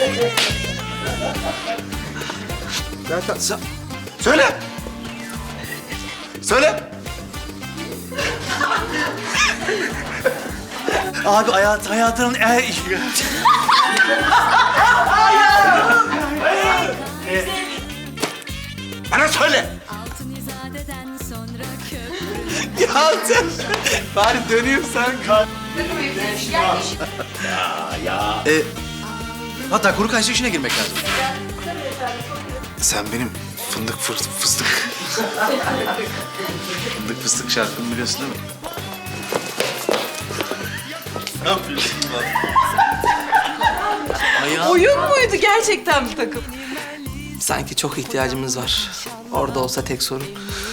Söyle. Söyle. Abi hayatının Bana söyle. Altın izadeden sonra köprü. Ya sen bari döneyim sen. Hatta kuru kayısı işine girmek lazım. Sen benim fıstık. Fındık fıstık şarkımı biliyorsun değil mi? Ne yapıyorsun lan? Oyun muydu gerçekten bir takım? Sanki çok ihtiyacımız var. Orada olsa tek sorun.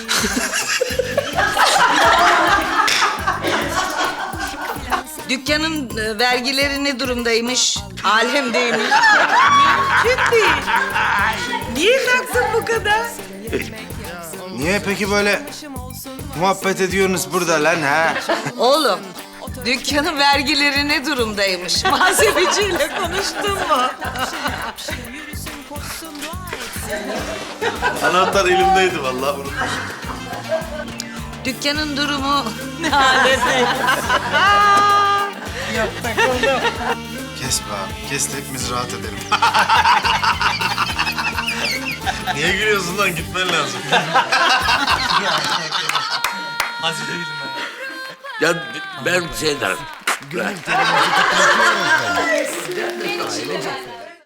Dükkanın vergileri ne durumdaymış? Alemdeymiş. Mümkün değil. Niye taksın bu kadar? Niye peki böyle muhabbet ediyorsunuz burada lan ha? Oğlum, dükkanın vergileri ne durumdaymış? Muhasebeciyle konuştun mu? Anahtar elimdeydi vallahi bunu. Dükkanın durumu Kes be abi. Kes de hepimiz rahat edelim. Niye gülüyorsun lan? Gitmen lazım. Ya ben şey derim.